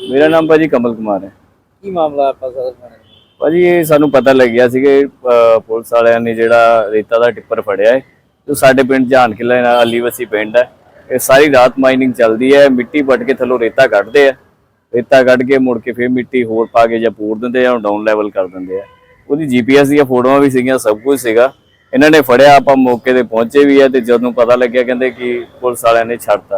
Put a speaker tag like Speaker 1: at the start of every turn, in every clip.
Speaker 1: मेरा नाम भाजी कमल कुमार है।
Speaker 2: की मामला आपका सदर थाने?
Speaker 1: भाजी ये सानू पता लग्या सी कि पुलिस वालियां ने जिहड़ा रेता दा टिप्पर फड़िया है जो साडे पिंड जान किला अलीवसी पिंड है। ये सारी रात माइनिंग चलती है, मिट्टी पट के थल्लों रेता कढ़दे है, रेता कढ़ के मुड़ के फिर मिट्टी होर पा के जां पूर दिंदे आ, डाउन लैवल कर दिंदे आ। ਉਹਦੀ जीपीएस ਦੀਆਂ ਫੋਟੋਆਂ ਵੀ ਸੀਗੀਆਂ, ਸਭ ਕੁਝ ਸੀਗਾ। ਇਹਨਾਂ ਨੇ ਫੜਿਆ, ਆਪਾਂ ਮੌਕੇ ਤੇ ਪਹੁੰਚੇ ਵੀ ਆ ਤੇ ਜਦੋਂ ਪਤਾ ਲੱਗਿਆ ਕਹਿੰਦੇ ਕਿ ਪੁਲਿਸ ਵਾਲਿਆਂ ਨੇ ਛੱਡਤਾ।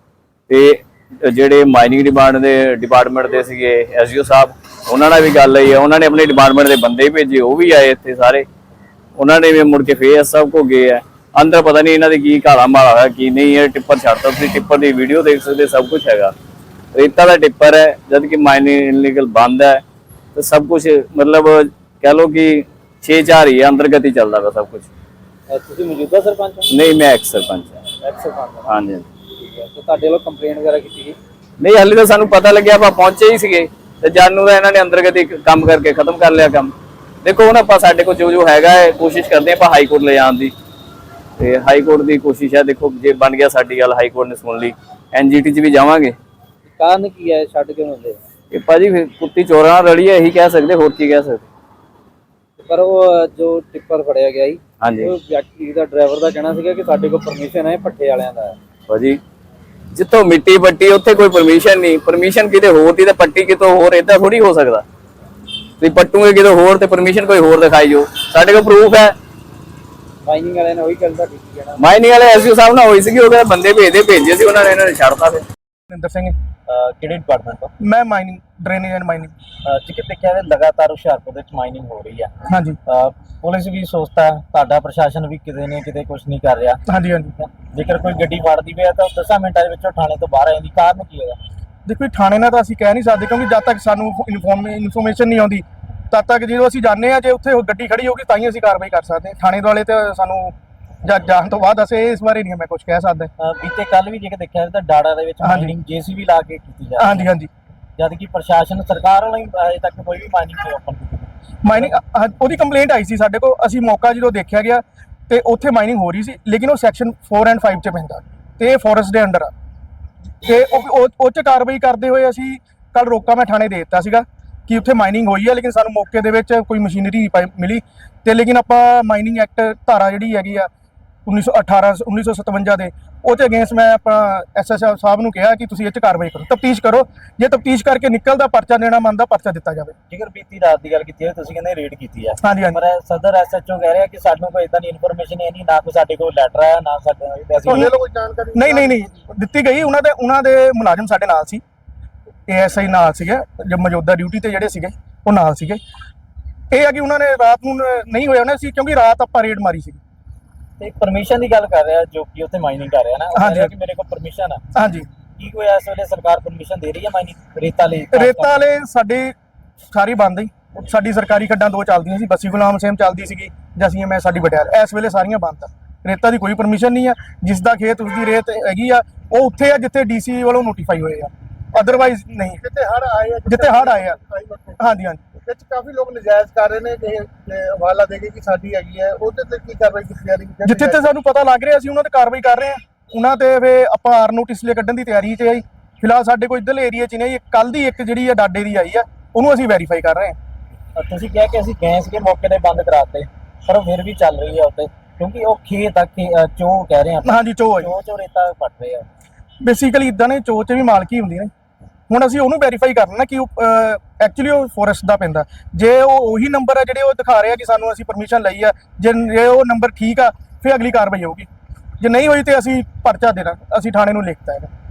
Speaker 1: ਤੇ ਜਿਹੜੇ ਮਾਈਨਿੰਗ ਡਿਪਾਰਟਮੈਂਟ ਦੇ ਸੀਗੇ ਐਸਯੂ ਸਾਹਿਬ, ਉਹਨਾਂ ਨਾਲ ਵੀ ਗੱਲ ਹੋਈ ਆ। ਉਹਨਾਂ ਨੇ ਆਪਣੇ ਡਿਪਾਰਟਮੈਂਟ ਦੇ ਬੰਦੇ ਭੇਜੇ, ਉਹ ਵੀ ਆਏ ਇੱਥੇ ਸਾਰੇ। ਉਹਨਾਂ ਨੇ ਵੀ ਮੁੜ ਕੇ ਫੇਰ ਸਭ ਕੋ ਗਏ ਆ ਅੰਦਰ। ਪਤਾ ਨਹੀਂ ਇਹਨਾਂ ਦੇ ਕੀ ਘਾਲਾ ਮਾਲਾ ਹੋਇਆ ਕੀ ਨਹੀਂ। ਇਹ ਟਿੱਪਰ ਛੱਡਤਾ, ਤੁਸੀਂ ਟਿੱਪਰ ਦੀ ਵੀਡੀਓ ਦੇਖ ਸਕਦੇ, ਸਭ ਕੁਝ ਹੈਗਾ। ਰੇਤਾ ਦਾ ਟਿੱਪਰ ਹੈ, ਜਦ ਕਿ ਮਾਈਨਿੰਗ ਇਲੀਗਲ ਬੰਦ ਹੈ ਤੇ ਸਭ ਕੁਝ मतलब कह लो कि 6-4 ही है, अंतर्गत ही चल रहा सब कुछ।
Speaker 2: ਤੁਸੀਂ ਮੌਜੂਦਾ ਸਰਪੰਚ ਹੋ?
Speaker 1: नहीं, मैं एक्स सरपंच है।
Speaker 2: ਐਕਸ ਸਰਪੰਚ?
Speaker 1: हाँ जी।
Speaker 2: ਠੀਕ ਹੈ, ਤੇ ਤੁਹਾਡੇ ਵੱਲੋਂ ਕੰਪਲੇਂਟ ਵਗੈਰਾ ਕੀਤੀ ਗਈ?
Speaker 1: नहीं, हाले तो सानू पता लग्या, ਆਪਾਂ ਪਹੁੰਚੇ ਹੀ ਸੀਗੇ ਤੇ ਜਾਨੂ ਦਾ ਇਹਨਾਂ ਨੇ ਅੰਤਰਗਤ ਹੀ ਕੰਮ ਕਰਕੇ ਖਤਮ ਕਰ ਲਿਆ ਕੰਮ। ਦੇਖੋ ਹੁਣ ਆਪਾਂ ਸਾਡੇ ਕੋਲ ਜੋ ਹੈਗਾ ਹੈ ਕੋਸ਼ਿਸ਼ ਕਰਦੇ ਆਪਾਂ ਹਾਈ ਕੋਰਟ ਲੈ ਜਾਣ ਦੀ, ਤੇ ਹਾਈ ਕੋਰਟ ਦੀ ਕੋਸ਼ਿਸ਼ ਹੈ। ਦੇਖੋ ਜੇ ਬਣ ਗਿਆ ਸਾਡੀ ਗੱਲ, ਹਾਈ ਕੋਰਟ ਨੇ ਸੁਣ ਲਈ, ਐਨਜੀਟੀ 'ਚ ਵੀ ਜਾਵਾਂਗੇ।
Speaker 2: ਕਾਰਨ ਕੀ ਹੈ ਛੱਡ ਕਿਉਂ ਹੁੰਦੇ?
Speaker 1: ਇਹ ਭਾਜੀ ਫਿਰ ਕੁੱਤੀ ਚੋਰਾਂ ਨਾਲ ਰਲੀ ਹੈ, ਇਹੀ ਕਹਿ ਸਕਦੇ, ਹੋਰ ਕੀ ਕਹਿ ਸਕਦੇ।
Speaker 2: ਪਰ ਉਹ ਜੋ ਟਿੱਪਰ ਫੜਿਆ ਗਿਆ ਸੀ,
Speaker 1: ਹਾਂਜੀ,
Speaker 2: ਉਹ ਵਿਅਕਤੀ ਦਾ ਡਰਾਈਵਰ ਦਾ ਕਹਿਣਾ ਸੀਗਾ ਕਿ ਸਾਡੇ ਕੋਲ ਪਰਮਿਸ਼ਨ ਹੈ, ਭੱਠੇ ਵਾਲਿਆਂ ਦਾ ਹੈ।
Speaker 1: ਭਾਜੀ ਜਿੱਥੋਂ ਮਿੱਟੀ ਪੱਟੀ ਉੱਥੇ ਕੋਈ ਪਰਮਿਸ਼ਨ ਨਹੀਂ। ਪਰਮਿਸ਼ਨ ਕਿਤੇ ਹੋਰ ਦੀ ਤੇ ਪੱਟੀ ਕਿਤੋਂ ਹੋਰ, ਏਦਾਂ ਥੋੜੀ ਹੋ ਸਕਦਾ। ਤੁਸੀਂ ਪੱਟੂਗੇ ਕਿਤੇ ਹੋਰ ਤੇ ਪਰਮਿਸ਼ਨ ਕੋਈ ਹੋਰ ਦਿਖਾਈ ਜੋ, ਸਾਡੇ ਕੋਲ ਪ੍ਰੂਫ ਹੈ।
Speaker 2: ਮਾਈਨਿੰਗ ਵਾਲਿਆਂ ਨੇ ਉਹੀ ਗੱਲ ਤੁਹਾਡੀ ਕੀ ਕਹਿਣਾ?
Speaker 1: ਮਾਈਨਿੰਗ ਵਾਲੇ ਐਸਯੂ ਸਾਹਿਬ ਨਾਲ ਹੋਈ ਸੀਗੀ, ਉਹਦੇ ਬੰਦੇ ਭੇਜੇ ਸੀ ਉਹਨਾਂ ਨੇ, ਇਹਨਾਂ ਨੇ ਛੱਡਤਾ। ਫਿਰ
Speaker 3: ਨਿੰਦਰ ਸਿੰਘ,
Speaker 2: ਕਿਹੜੇ ਡਿਪਾਰਟਮੈਂਟ ਤੋਂ?
Speaker 3: ਮੈਂ ਮਾਈਨਿੰਗ, ਡਰੇਨੇਜ ਐਂਡ ਮਾਈਨਿੰਗ।
Speaker 2: ਜਿੱਥੇ ਦੇਖਿਆ ਲਗਾਤਾਰ ਹੁਸ਼ਿਆਰਪੁਰ ਵਿੱਚ ਮਾਈਨਿੰਗ ਹੋ ਰਹੀ ਹੈ।
Speaker 3: ਹਾਂਜੀ
Speaker 2: ਪੁਲਿਸ ਵੀ ਸੋਚਦਾ, ਤੁਹਾਡਾ ਪ੍ਰਸ਼ਾਸਨ ਵੀ ਕਿਤੇ ਨਾ ਕਿਤੇ ਕੁਝ ਨਹੀਂ ਕਰ ਰਿਹਾ।
Speaker 3: ਹਾਂਜੀ ਹਾਂਜੀ।
Speaker 2: ਜੇਕਰ ਕੋਈ ਗੱਡੀ ਫੜਦੀ ਪਈ ਤਾਂ 10 ਮਿੰਟਾਂ ਦੇ ਵਿੱਚੋਂ ਥਾਣੇ ਤੋਂ ਬਾਹਰ ਆ ਜਾਂਦੀ, ਕਾਰਨ ਕੀ ਹੈਗਾ?
Speaker 3: ਦੇਖੋ ਥਾਣੇ ਨਾਲ ਤਾਂ ਅਸੀਂ ਕਹਿ ਨਹੀਂ ਸਕਦੇ, ਕਿਉਂਕਿ ਜਦ ਤੱਕ ਸਾਨੂੰ ਇਨਫੋਰਮੇਸ਼ਨ ਨਹੀਂ ਆਉਂਦੀ ਤਦ ਤੱਕ ਜਦੋਂ ਅਸੀਂ ਜਾਂਦੇ ਹਾਂ, ਜੇ ਉੱਥੇ ਉਹ ਗੱਡੀ ਖੜੀ ਹੋਊਗੀ ਤਾਂ ਹੀ ਅਸੀਂ ਕਾਰਵਾਈ ਕਰ ਸਕਦੇ ਹਾਂ। ਥਾਣੇ ਵਾਲੇ ਤੇ ਸਾਨੂੰ ਜਾਣ ਤੋਂ ਬਾਅਦ ਅਸੀਂ ਇਸ ਬਾਰੇ ਨਹੀਂ ਮੈਂ ਕੁਝ ਕਹਿ ਸਕਦਾ।
Speaker 2: ਬੀਤੇ ਕੱਲ ਵੀ ਜੇਕਰ ਦੇਖਿਆ ਤਾਂ ਡਾੜਾ ਦੇ ਵਿੱਚ ਮਾਈਨਿੰਗ ਜੇਸੀਬੀ ਲਾ ਕੇ ਕੀਤੀ ਜਾ ਰਹੀ ਹੈ।
Speaker 3: ਹਾਂਜੀ ਹਾਂਜੀ।
Speaker 2: ਜਦ ਕਿ ਪ੍ਰਸ਼ਾਸਨ ਸਰਕਾਰ ਵੱਲੋਂ ਅਜੇ ਤੱਕ ਕੋਈ ਵੀ ਮਾਈਨਿੰਗ ਨਹੀਂ ਓਪਨ ਕੀਤੀ।
Speaker 3: ਮਾਈਨਿੰਗ ਉਹਦੀ ਕੰਪਲੇਂਟ ਆਈ ਸੀ ਸਾਡੇ ਕੋਲ, ਅਸੀਂ ਮੌਕਾ ਜਦੋਂ ਦੇਖਿਆ ਗਿਆ ਤੇ ਉੱਥੇ ਮਾਈਨਿੰਗ ਹੋ ਰਹੀ ਸੀ, ਲੇਕਿਨ ਉਹ ਸੈਕਸ਼ਨ 4 ਐਂਡ 5 'ਚ ਪੈਂਦਾ ਤੇ ਇਹ ਫੋਰੈਸਟ ਦੇ ਅੰਡਰ ਆ, ਤੇ ਉਹ 'ਚ ਕਾਰਵਾਈ ਕਰਦੇ ਹੋਏ ਅਸੀਂ ਕੱਲ ਰੋਕਾ ਮੈਂ ਥਾਣੇ ਦੇ ਦਿੱਤਾ ਸੀਗਾ ਕਿ ਉੱਥੇ ਮਾਈਨਿੰਗ ਹੋਈ ਹੈ, ਲੇਕਿਨ ਸਾਨੂੰ ਮੌਕੇ ਦੇ ਵਿੱਚ ਕੋਈ ਮਸ਼ੀਨਰੀ ਨਹੀਂ ਮਿਲੀ। ਤੇ ਲੇਕਿਨ ਆਪਾਂ ਮਾਈਨਿੰਗ ਐਕਟ ਧਾਰਾ ਜਿਹੜੀ ਹੈਗੀ ਆ 1957 ਦੇ, ਉਹ 'ਤੇ ਅਗੇਂਸਟ ਮੈਂ ਆਪਣਾ ਐਸਐਸਐਫ ਸਾਹਿਬ ਨੂੰ ਕਿਹਾ ਕਿ ਤੁਸੀਂ ਇਹ 'ਚ ਕਾਰਵਾਈ ਕਰੋ, ਤਫਤੀਸ਼ ਕਰੋ। ਜੇ ਤਫਤੀਸ਼ ਕਰਕੇ ਨਿਕਲਦਾ ਪਰਚਾ ਦੇਣਾ ਮੰਨਦਾ, ਪਰਚਾ ਦਿੱਤਾ ਜਾਵੇ।
Speaker 2: ਜੇਕਰ ਬੀਤੀ ਰਾਤ ਦੀ ਗੱਲ ਕੀਤੀ ਹੈ, ਤੁਸੀਂ ਕਹਿੰਦੇ ਰੇਡ ਕੀਤੀ ਹੈ।
Speaker 3: ਹਾਂਜੀ ਹਾਂਜੀ।
Speaker 2: ਪਰ ਸਦਰ ਐਸਐਚਓ ਕਹਿ ਰਿਹਾ ਕਿ ਸਾਨੂੰ ਕੋਈ ਇਦਾਂ ਦੀ ਇਨਫੋਰਮੇਸ਼ਨ ਹੈ ਨਹੀਂ, ਨਾ ਕੋਈ ਸਾਡੇ ਕੋਲ ਲੈਟਰ ਆਇਆ, ਨਾ ਸਾਡੇ
Speaker 3: ਕੋਈ ਜਾਣਕਾਰੀ ਨਹੀਂ ਦਿੱਤੀ ਗਈ। ਉਹਨਾਂ ਦੇ ਮੁਲਾਜ਼ਮ ਸਾਡੇ ਨਾਲ ਸੀ, ਏਐਸਆਈ ਨਾਲ ਸੀਗੇ, ਜੋ ਮੌਜੂਦਾ ਡਿਊਟੀ ਤੇ ਜਿਹੜੇ ਸੀਗੇ ਉਹ ਨਾਲ ਸੀਗੇ। ਇਹ ਆ ਕਿ ਉਹਨਾਂ ਨੇ ਰਾਤ ਨੂੰ ਨਹੀਂ ਹੋਇਆ ਉਹਨਾਂ ਸੀ, ਕਿਉਂਕਿ ਰਾਤ ਆਪਾਂ ਰੇਡ ਮਾਰੀ ਸੀ।
Speaker 2: ਤੇ ਪਰਮਿਸ਼ਨ ਦੀ ਗੱਲ ਕਰ ਰਿਹਾ ਜੋ ਕਿ ਉੱਥੇ ਮਾਈਨਿੰਗ ਕਰ ਰਿਹਾ ਨਾ, ਉਹ ਕਹਿ ਰਿਹਾ ਕਿ ਮੇਰੇ ਕੋਲ ਪਰਮਿਸ਼ਨ ਆ।
Speaker 3: ਹਾਂਜੀ।
Speaker 2: ਕੀ ਕੋਈ ਇਸ ਵੇਲੇ ਸਰਕਾਰ ਪਰਮਿਸ਼ਨ ਦੇ ਰਹੀ ਹੈ ਮਾਈਨਿੰਗ ਰੇਤਾ ਲਈ?
Speaker 3: ਰੇਤਾ ਵਾਲੇ ਸਾਡੇ ਸਾਰੀ ਬੰਦ ਹੀ, ਸਾਡੀ ਸਰਕਾਰੀ ਖੱਡਾਂ 2 ਚੱਲਦੀਆਂ ਸੀ, ਬੱਸੀ ਗੁਲਾਮ ਸੇਮ ਚੱਲਦੀ ਸੀਗੀ, ਜਸੀਂ ਮੈਂ ਸਾਡੀ ਬਟਿਆਲ, ਇਸ ਵੇਲੇ ਸਾਰੀਆਂ ਬੰਦ ਆ। ਰੇਤਾ ਦੀ ਕੋਈ ਪਰਮਿਸ਼ਨ ਨਹੀਂ ਆ। ਜਿਸ ਦਾ ਖੇਤ ਉਸਦੀ ਰੇਤ ਹੈਗੀ ਆ, ਉਹ ਉੱਥੇ ਆ ਜਿੱਥੇ ਡੀਸੀ ਵੱਲੋਂ ਨੋਟੀਫਾਈ ਹੋਏ ਆ, ਅਦਰਵਾਈਜ਼ ਨਹੀਂ। ਜਿੱਥੇ ਹੜ ਆਏ ਆ। ਹਾਂਜੀ ਹਾਂਜੀ।
Speaker 4: ਵਿੱਚ ਕਾਫੀ ਲੋਕ ਨਜਾਇਜ਼ ਕਰ ਰਹੇ ਨੇ ਕਿ ਹਵਾਲਾ ਦੇ ਕੇ ਕਿ ਸਾਡੀ ਹੈਗੀ ਹੈ, ਉਹਦੇ ਤੇ ਕੀ ਕਾਰਵਾਈ ਕੀਤੀ ਜਾ ਰਹੀ ਹੈ?
Speaker 3: ਜਿੱਥੇ ਤੇ ਸਾਨੂੰ ਪਤਾ ਲੱਗ ਰਿਹਾ ਅਸੀਂ ਉਹਨਾਂ ਤੇ ਕਾਰਵਾਈ ਕਰ ਰਹੇ ਹਾਂ। ਉਹਨਾਂ ਤੇ ਫੇ ਆਪਾਂ ਆਰ ਨੋਟਿਸ ਲਈ ਕੱਢਣ ਦੀ ਤਿਆਰੀ 'ਚ ਆਈ। ਫਿਲਹਾਲ ਸਾਡੇ ਕੋਲ ਇੱਧਰਲੇ ਏਰੀਆ 'ਚ ਨਹੀਂ। ਕੱਲ ਦੀ ਇੱਕ ਜਿਹੜੀ ਆ ਡਾਡੇ ਦੀ ਆਈ ਆ, ਉਹਨੂੰ ਅਸੀਂ ਵੈਰੀਫਾਈ ਕਰ ਰਹੇ ਹਾਂ।
Speaker 2: ਤੁਸੀਂ ਕਿਹਾ ਕਿ ਅਸੀਂ ਗੈਸ ਕੇ ਮੌਕੇ ਤੇ ਬੰਦ ਕਰਾਤੇ, ਪਰ ਉਹ ਫਿਰ ਵੀ ਚੱਲ ਰਹੀ ਹੈ ਉੱਤੇ, ਕਿਉਂਕਿ ਉਹ ਖੇਤ ਤੱਕ ਚੋ ਕਹਿ ਰਹੇ ਆ।
Speaker 3: ਹਾਂਜੀ, ਚੋ
Speaker 2: ਰੇਤਾ ਪੱਟ ਰਹੇ ਆ।
Speaker 3: ਬੇਸਿਕਲੀ ਇਦਾਂ ਨੇ, ਚੋ 'ਚ ਵੀ ਮਾਲਕੀ ਹੁੰਦੀ ਨੇ। ਹੁਣ ਅਸੀਂ ਉਹਨੂੰ ਵੈਰੀਫਾਈ ਕਰਨਾ ਕਿ ਐਕਚੁਅਲੀ ਉਹ ਫੋਰੈਸਟ ਦਾ ਪੈਂਦਾ। ਜੇ ਉਹ ਉਹੀ ਨੰਬਰ ਹੈ ਜਿਹੜੇ ਉਹ ਦਿਖਾ ਰਹੇ ਆ ਕਿ ਸਾਨੂੰ ਅਸੀਂ ਪਰਮਿਸ਼ਨ ਲਈ ਆ, ਜੇ ਉਹ ਨੰਬਰ ਠੀਕ ਆ ਫਿਰ ਅਗਲੀ ਕਾਰਵਾਈ ਹੋਊਗੀ। ਜੇ ਨਹੀਂ ਹੋਈ ਤੇ ਅਸੀਂ ਪਰਚਾ ਦੇਣਾ, ਅਸੀਂ ਥਾਣੇ ਨੂੰ ਲਿਖਤਾ ਹੈ।